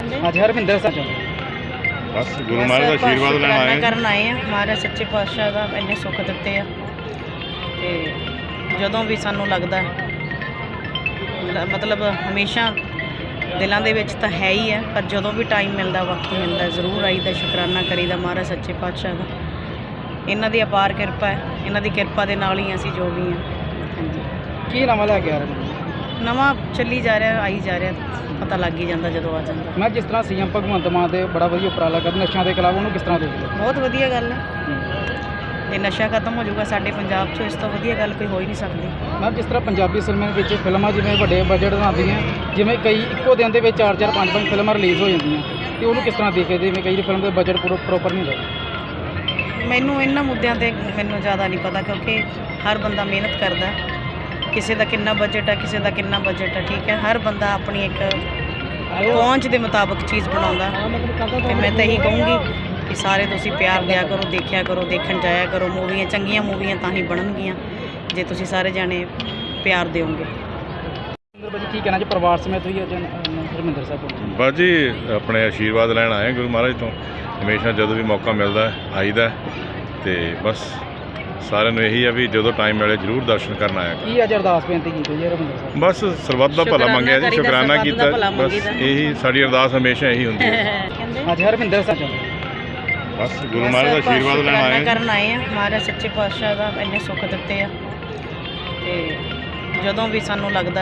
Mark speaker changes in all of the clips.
Speaker 1: ਅੱਜ ਹਰਵਿੰਦਰ ਸਾਹਿਬ
Speaker 2: बस गुरु महाराज का आशीर्वाद लेना आए
Speaker 1: ਕਰਨ ਆਏ ਆ। ਮਹਾਰਾਜ ਸੱਚੇ ਪਾਤਸ਼ਾਹ ਦਾ ਇੰਨੇ ਸੁੱਖ ਦਿੱਤੇ ਆ ਤੇ ਜਦੋਂ ਵੀ ਸਾਨੂੰ ਲੱਗਦਾ ਮਤਲਬ ਹਮੇਸ਼ਾ ਦਿਲਾਂ ਦੇ ਵਿੱਚ ਤਾਂ ਹੈ ਹੀ ਹੈ, ਪਰ ਜਦੋਂ ਵੀ ਟਾਈਮ ਮਿਲਦਾ, ਵਕਤ ਮਿਲਦਾ, ਜ਼ਰੂਰ ਆਈਦਾ, ਸ਼ੁਕਰਾਨਾ ਕਰੀਦਾ ਮਹਾਰਾਜ ਸੱਚੇ ਪਾਤਸ਼ਾਹ ਦਾ। ਇਹਨਾਂ ਦੀ ਅਪਾਰ ਕਿਰਪਾ ਹੈ, ਇਹਨਾਂ ਦੀ ਕਿਰਪਾ ਦੇ ਨਾਲ ਹੀ ਅਸੀਂ ਜੋ ਵੀ ਹਾਂ। ਹਾਂਜੀ,
Speaker 3: ਕੀ ਨਵਾਂ ਲੈ ਕੇ ਆ ਰਹੇ ਨੇ?
Speaker 1: ਨਵਾਂ ਚੱਲੀ ਜਾ ਰਿਹਾ, ਆਈ ਜਾ ਰਿਹਾ, ਪਤਾ ਲੱਗ ਹੀ ਜਾਂਦਾ ਜਦੋਂ ਆ ਜਾਂਦਾ।
Speaker 3: ਮੈਂ ਜਿਸ ਤਰ੍ਹਾਂ ਸੀਐਮ ਭਗਵੰਤ ਮਾਨ ਦੇ ਬੜਾ ਵਧੀਆ ਉਪਰਾਲਾ ਕਰ ਨਸ਼ਿਆਂ ਦੇ ਖਿਲਾਫ, ਉਹਨੂੰ ਕਿਸ ਤਰ੍ਹਾਂ ਦੇਖਦੇ ਹੋ?
Speaker 1: ਬਹੁਤ ਵਧੀਆ ਗੱਲ ਹੈ। ਜੇ ਨਸ਼ਾ ਖਤਮ ਹੋ ਜਾਊਗਾ ਸਾਡੇ ਪੰਜਾਬ 'ਚੋਂ, ਇਸ ਤੋਂ ਵਧੀਆ ਗੱਲ ਕੋਈ ਹੋ ਹੀ ਨਹੀਂ ਸਕਦੀ।
Speaker 3: ਮੈਂ ਜਿਸ ਤਰ੍ਹਾਂ ਪੰਜਾਬੀ ਸਿਨੇਮੇ ਵਿੱਚ ਫਿਲਮਾਂ ਜਿਵੇਂ ਵੱਡੇ ਬਜਟ ਬਣਾਉਂਦੀਆਂ, ਜਿਵੇਂ ਕਈ ਇੱਕੋ ਦਿਨ ਦੇ ਵਿੱਚ 4-4 5-5 ਫਿਲਮਾਂ ਰਿਲੀਜ਼ ਹੋ ਜਾਂਦੀਆਂ, ਤੇ ਉਹਨੂੰ ਕਿਸ ਤਰ੍ਹਾਂ ਦੇਖਦੇ? ਜਿਵੇਂ ਕਈ ਫਿਲਮ ਦੇ ਬਜਟ ਪ੍ਰੋਪਰ ਨਹੀਂ ਹੁੰਦਾ।
Speaker 1: ਮੈਨੂੰ ਇਹਨਾਂ ਮੁੱਦਿਆਂ 'ਤੇ ਮੈਨੂੰ ਜ਼ਿਆਦਾ ਨਹੀਂ ਪਤਾ, ਕਿਉਂਕਿ ਹਰ ਬੰਦਾ ਮਿਹਨਤ ਕਰਦਾ। ਕਿਸੇ ਦਾ ਕਿੰਨਾ ਬਜਟ ਹੈ, ਕਿਸੇ ਦਾ ਕਿੰਨਾ ਬਜਟ ਹੈ, ਠੀਕ ਹੈ। ਹਰ ਬੰਦਾ ਆਪਣੀ ਇੱਕ ਪਹੁੰਚ ਦੇ ਮੁਤਾਬਕ ਚੀਜ਼ ਬਣਾਉਂਦਾ। ਤੇ ਮੈਂ ਤਾਂ ਇਹੀ ਕਹੂੰਗੀ ਕਿ ਸਾਰੇ ਤੁਸੀਂ ਪਿਆਰ ਦਿਆ ਕਰੋ, ਦੇਖਿਆ ਕਰੋ, ਦੇਖਣ ਜਾਇਆ ਕਰੋ। ਮੂਵੀਆਂ ਚੰਗੀਆਂ ਮੂਵੀਆਂ ਤਾਂ ਹੀ ਬਣਨਗੀਆਂ ਜੇ ਤੁਸੀਂ ਸਾਰੇ ਜਾਣੇ ਪਿਆਰ ਦਿਓਗੇ।
Speaker 3: ਭਾਜੀ ਕੀ ਕਹਿਣਾ ਜੀ, ਪਰਿਵਾਰ ਸਮੇਤ ਵੀ ਅੱਜ ਹਰਮਿੰਦਰ ਸਾਹਿਬ ਪਹੁੰਚੇ?
Speaker 2: बस जी अपने आशीर्वाद लैन आए गुरु महाराज तो। हमेशा जो भी मौका मिलता है आईदा, तो बस सारे यही है भी जो टाइम मिले जरूर दर्शन करना आया।
Speaker 3: ਕੀ ਅੱਜ ਅਰਦਾਸ ਬੇਨਤੀ ਕੀਤੀ ਜੀ ਹਰਮਿੰਦਰ ਸਾਹਿਬ?
Speaker 2: बस सरबत का भला मंगया जी,
Speaker 1: करीदा,
Speaker 2: शुकराना
Speaker 1: सरबत
Speaker 2: किया।
Speaker 1: दा भला
Speaker 2: बस
Speaker 1: मंगीदा।
Speaker 2: यही साड़ी अरदास हमेशा यही होती है।
Speaker 3: ਅੱਜ ਹਰਮਿੰਦਰ ਸਾਹਿਬ
Speaker 2: बस गुरु महाराज का आशीर्वाद लैन आए
Speaker 1: ਕਰਨ ਆਏ ਆ। ਮਹਾਰਾਜ ਸੱਚੇ ਪਾਤਸ਼ਾਹ ਦਾ ਇੰਨੇ ਸੁੱਖ ਦਿੱਤੇ ਆ ਤੇ ਜਦੋਂ ਵੀ ਸਾਨੂੰ ਲੱਗਦਾ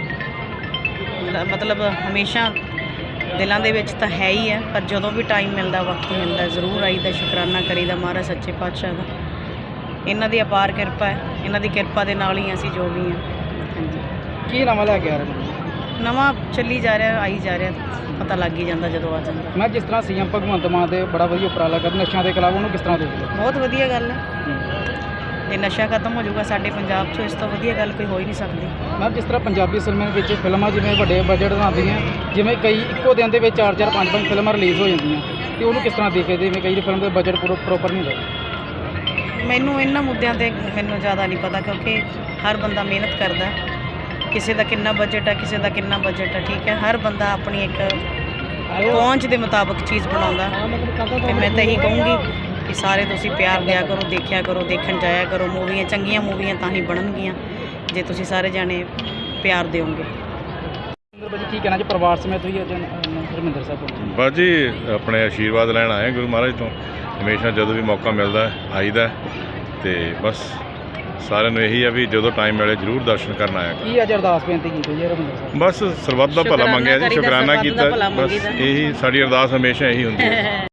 Speaker 1: ਮਤਲਬ ਹਮੇਸ਼ਾ ਦਿਲਾਂ ਦੇ ਵਿੱਚ ਤਾਂ ਹੈ ਹੀ ਹੈ, ਪਰ ਜਦੋਂ ਵੀ ਟਾਈਮ ਮਿਲਦਾ, ਵਕਤ ਮਿਲਦਾ, ਜ਼ਰੂਰ ਆਈਦਾ, ਸ਼ੁਕਰਾਨਾ ਕਰੀਦਾ ਮਹਾਰਾਜ ਸੱਚੇ ਪਾਤਸ਼ਾਹ ਦਾ। ਇਹਨਾਂ ਦੀ ਅਪਾਰ ਕਿਰਪਾ ਹੈ, ਇਹਨਾਂ ਦੀ ਕਿਰਪਾ ਦੇ ਨਾਲ ਹੀ ਅਸੀਂ ਜੋ ਵੀ ਹਾਂ। ਹਾਂਜੀ,
Speaker 3: ਕੀ ਨਵਾਂ ਲੈ ਕੇ ਆ ਰਹੇ ਨੇ?
Speaker 1: ਨਵਾਂ ਚੱਲੀ ਜਾ ਰਿਹਾ, ਆਈ ਜਾ ਰਿਹਾ, ਪਤਾ ਲੱਗ ਹੀ ਜਾਂਦਾ ਜਦੋਂ ਆ ਜਾਂਦਾ।
Speaker 3: ਮੈਂ ਜਿਸ ਤਰ੍ਹਾਂ ਸੀਐਮ ਭਗਵੰਤ ਮਾਨ ਦੇ ਬੜਾ ਵਧੀਆ ਉਪਰਾਲਾ ਕਰ ਨਸ਼ਿਆਂ ਦੇ ਖਿਲਾਫ, ਉਹਨੂੰ ਕਿਸ ਤਰ੍ਹਾਂ ਦੇਖਦੇ ਹੋ?
Speaker 1: ਬਹੁਤ ਵਧੀਆ ਗੱਲ ਹੈ। ਜੇ ਨਸ਼ਾ ਖਤਮ ਹੋ ਜਾਊਗਾ ਸਾਡੇ ਪੰਜਾਬ 'ਚੋਂ, ਇਸ ਤੋਂ ਵਧੀਆ ਗੱਲ ਕੋਈ ਹੋ ਹੀ ਨਹੀਂ ਸਕਦੀ।
Speaker 3: ਮੈਂ ਜਿਸ ਤਰ੍ਹਾਂ ਪੰਜਾਬੀ ਸਿਨੇਮੇ ਵਿੱਚ ਫਿਲਮਾਂ ਜਿਵੇਂ ਵੱਡੇ ਬਜਟ ਬਣਾਉਂਦੀਆਂ, ਜਿਵੇਂ ਕਈ ਇੱਕੋ ਦਿਨ ਦੇ ਵਿੱਚ 4-4 5-5 ਫਿਲਮਾਂ ਰਿਲੀਜ਼ ਹੋ ਜਾਂਦੀਆਂ, ਤੇ ਉਹਨੂੰ ਕਿਸ ਤਰ੍ਹਾਂ ਦੇਖਦੇ? ਜਿਵੇਂ ਕਈ ਫਿਲਮ ਦੇ ਬਜਟ ਪ੍ਰੋਪਰ ਨਹੀਂ ਹੁੰਦਾ।
Speaker 1: ਮੈਨੂੰ ਇਹਨਾਂ ਮੁੱਦਿਆਂ 'ਤੇ ਮੈਨੂੰ ਜ਼ਿਆਦਾ ਨਹੀਂ ਪਤਾ, ਕਿਉਂਕਿ ਹਰ ਬੰਦਾ ਮਿਹਨਤ ਕਰਦਾ। ਕਿਸੇ ਦਾ ਕਿੰਨਾ ਬਜਟ ਹੈ, ਕਿਸੇ ਦਾ ਕਿੰਨਾ ਬਜਟ ਹੈ, ਠੀਕ ਹੈ। ਹਰ ਬੰਦਾ ਆਪਣੀ ਇੱਕ ਪਹੁੰਚ ਦੇ ਮੁਤਾਬਕ ਚੀਜ਼ ਬਣਾਉਂਦਾ। ਤੇ ਮੈਂ ਤਾਂ ਇਹੀ ਕਹੂੰਗੀ ਕਿ ਸਾਰੇ ਤੁਸੀਂ ਪਿਆਰ ਦਿਆ ਕਰੋ, ਦੇਖਿਆ ਕਰੋ, ਦੇਖਣ ਜਾਇਆ ਕਰੋ। ਮੂਵੀਆਂ ਚੰਗੀਆਂ ਮੂਵੀਆਂ ਤਾਂ ਹੀ ਬਣਨਗੀਆਂ ਜੇ ਤੁਸੀਂ ਸਾਰੇ ਜਾਣੇ ਪਿਆਰ ਦਿਓਗੇ।
Speaker 3: ਭਾਜੀ ਕੀ ਕਹਿਣਾ ਜੀ, ਪਰਿਵਾਰ ਸਮੇਤ ਵੀ ਅੱਜ ਹਰਮਿੰਦਰ ਸਾਹਿਬ ਪਹੁੰਚੇ?
Speaker 2: बस जी अपने आशीर्वाद लैन आए गुरु महाराज तो। हमेशा जो भी मौका मिलता है आईदा, तो बस सारे यही है भी जो टाइम मिले जरूर दर्शन करना आया।
Speaker 3: ਕੀ ਅੱਜ ਅਰਦਾਸ ਬੇਨਤੀ ਕੀਤੀ ਜੀ ਹਰਮਿੰਦਰ ਸਾਹਿਬ?
Speaker 2: बस सरबत का भला
Speaker 1: शुकराना
Speaker 2: मंगया जी,
Speaker 1: करीदा,
Speaker 2: शुकराना
Speaker 1: सरबत दा
Speaker 2: किया।
Speaker 1: भला
Speaker 2: बस
Speaker 1: मंगीदा।
Speaker 2: यही साड़ी अरदास हमेशा यही होती है।